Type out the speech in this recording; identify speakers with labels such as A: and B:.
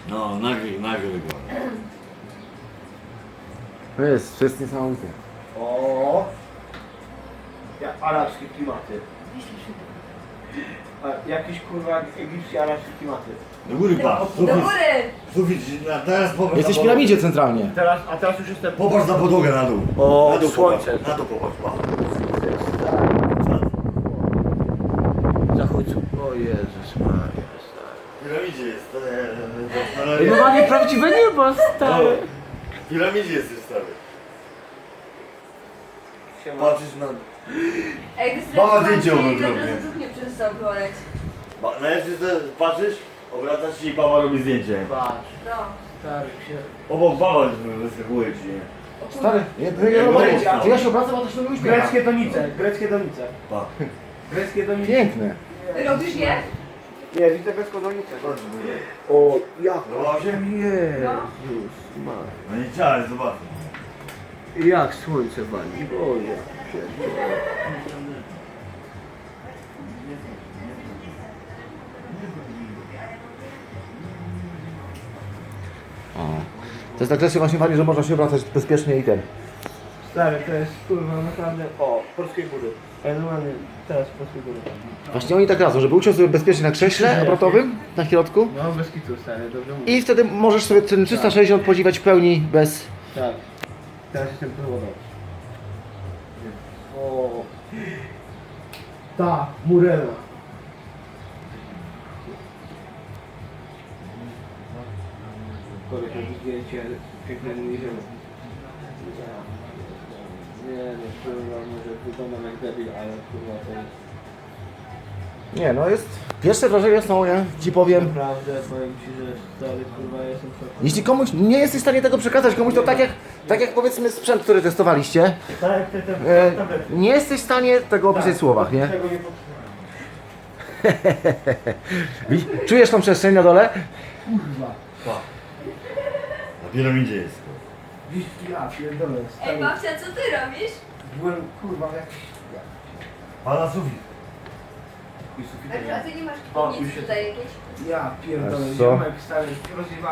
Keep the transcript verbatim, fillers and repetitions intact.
A: No, nagry, nagry go.
B: To jest, to jest niesamowite.
C: O, ja, arabskie klimaty. A, jakieś kurwa egipskie, arabskie klimaty.
A: Do góry patrz,
D: Do
A: sufit,
D: góry!
A: sufit, na- teraz popatrz
B: Jesteś w
A: na
B: piramidzie centralnie.
C: Teraz, a teraz już jestem...
A: Popatrz na podłogę na dół.
C: O,
A: na dół
C: słońce.
A: Popatrz, na dół popatrz, patrz.
C: Zachód. O Jezus Maria, stary.
A: W piramidzie jest, to nie, to
C: No ma nieprawdziwe niebo, stary.
A: W piramidzie jesteś stary.
C: Siema.
A: Patrzysz na...
D: Ej,
A: Mama zdjęcie
D: to
A: robię.
D: nie przestał boleć.
A: Ba, najlepsze to patrzysz, obracasz się i baba robi zdjęcie.
C: Patrz,
D: No.
C: stary się...
A: Obok baba wyskakuje ci, nie?
D: O kurwa.
B: Stary, ja, ja, ja, ja, ja się obracam, a to się uśmiecha.
C: Greckie donice, greckie donice.
A: Pa.
C: Greckie donice.
B: Piękne.
D: Robisz je?
C: Nie, widzę grecką donicę. O, jak?
A: Podobał się?
C: Jezus Maria.
A: No nie chciałem, zobacz.
C: Jak słońce wali, Boże. Pierdolę.
B: O. To jest tak kwestia właśnie fajnie, że można się obracać bezpiecznie i ten.
C: Stary, to jest kurwa naprawdę... O, polskiej góry. Ja normalnie teraz polskiej góry.
B: Właśnie oni tak radzą, żeby usiąść sobie bezpiecznie na krześle obrotowym, na środku.
C: No, bez kitu, stary, dobrze mówię.
B: I wtedy możesz sobie ten trzysta sześćdziesiąt podziwiać w pełni bez...
C: Tak. Teraz jestem próbował. O. Ta, Murena. Koleś robi zdjęcie pięknego jeziora. Nie, nie, kurwa, może wyglądam jak debil, ale kurwa to jest...
B: Nie, no jest... Pierwsze wrażenia są, ja ci powiem...
C: Naprawdę, powiem ci, że stary, kurwa, jestem w szoku.
B: Jeśli komuś nie jesteś w stanie tego przekazać, komuś to tak jak, tak jak powiedzmy sprzęt, który testowaliście,
C: Tak, te, te,
B: e,
C: te, te,
B: nie jesteś w stanie tego opisać w słowach, nie?
C: Tego nie
B: Wi- Czujesz tą przestrzeń na dole?
C: Kurwa.
A: Pa. Na piramidzie jest.
C: Dziś ja pierdolę,
D: Ej,
C: stary.
D: babcia, co ty robisz?
C: Byłem, kurwa, jak...
A: Pana sufit.
C: I
D: A,
C: sufitem.
D: a ty nie masz
C: O, już
D: nic
C: się-
D: tutaj jakieś?
C: Ja pierdolę,
B: Wiesz co?
C: ziomek stary, rozjebałem.